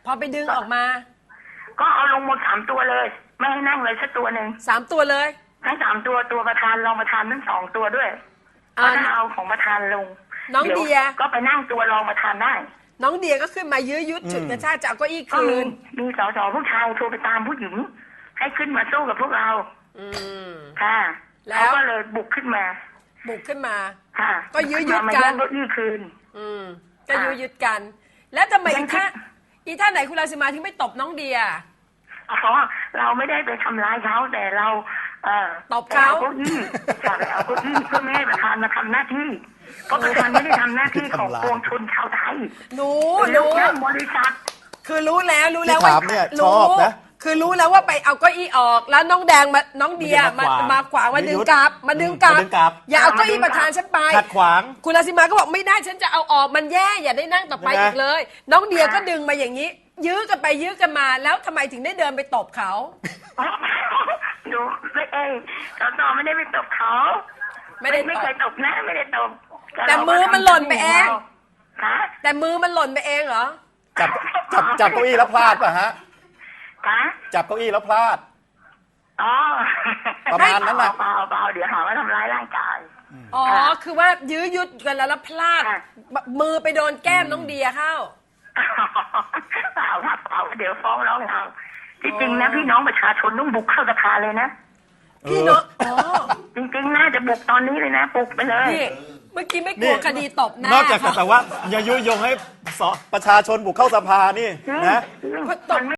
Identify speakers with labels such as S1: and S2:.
S1: อไปดึงออกมา
S2: ก็เอาลงหมด3 ตัวเลย ไม่ให้นั่งเลยสักตัวหนึ่ง
S1: 3 ตัวเลย
S2: ทั้ง3 ตัวตัวประธานรองประธานทั้ง2 ตัวด้วยก็ถ้าเอาของประธานลง
S1: น้องเดีย
S2: ก็ไปนั่งตัวรองประธานได้
S1: น้องเดียก็ขึ้นมายื้อยุดฉุดกระชากจะเอาเก้าอี้
S2: ก็
S1: คืน
S2: มีสสผู้ชายโทรไปตามผู้หญิงให้ขึ้นมาสู้กับพวกเรา ค่ะ
S1: แล้ว
S2: เขาก็เลยบุกขึ้นมา
S1: บุกขึ้นมา
S2: ค่ะ
S1: ก็ยื้อยุด
S2: มา
S1: กัน
S2: แย่งเก้าอี้คืน
S1: ก็ยื้อยุดกัน แล้วทำไมอีท่าไหนคุณรังสิมาถึงไม่ตบน้องเดีย
S2: อ๋อเราไม่ได้ไปทำร้ายเขาแต่เรา
S1: ตบเขา
S2: เก้าอี้ค่ะไปเอาเก้าอี้เพื่อไม่ให้ประธานมาทำหน้าที่เพราะประธานไม่ได้ทำหน้าที่ของปวงชนชาวไทย
S1: รู้
S2: บริษัท
S1: คือรู้แล้ว
S3: ที่ถามเนี่ยชอบนะ
S1: คือรู้แล้วว่าไปเอาเก้าอี้ออกแล้วน้องแดงมาน้องเดียมาขวางมาดึงกลับมาดึงกลับอย่าเอาเก้าอี้ประธานฉันไป
S3: ขัดขวาง
S1: คุณรังสิมาก็บอกไม่ได้ฉันจะเอาออกมันแย่อย่าได้นั่งต่อไปอีกเลย น้องเดียก็ดึงมาอย่างนี้ ยื้อกันไปยื้อกันมาแล้วทำไมถึงได้เดินไปตบเขา
S2: ดูไม่สสไม่ได้ไปตบเขา
S1: ไม่เคย
S2: ตบนะไม่ได้ตบ
S1: แต่มือมันหล่นไปเอง
S2: ค่ะ
S1: แต่มือมันหล่นไปเองเหรอ
S3: จับเก้าอี้แล้วพลาดป่ะฮะ
S2: ค่ะ
S3: จับเก้าอี้แล้วพลาด
S2: อ๋อ
S3: ประมาณนั้นแหละ
S2: เปล่าเดี๋ยวหาว่าทำร้ายร่างกาย
S1: อ๋อ คือว่ายื้อยุดกันแล้วพลาด
S2: ค่ะ
S1: มือไปโดนแก้มน้องเดียเข้า
S2: เปล่าครับเปล่าเดี๋ยวฟ้องร้องเราจริงๆนะพี่น้องประชาชนต้องบุกเข้าสภาเลยนะ
S1: พี่น้องอ๋อ
S2: จริงๆน่าจะบุกตอนนี้เลยนะบุกไปเลย
S1: นี่เมื่อกี้ไม่กลัวคดีตบหน้าน
S3: อกจากแต่ว่าอย่ายุยงให้ประชาชนบุกเข้าสภานี่นะ
S2: มันไม่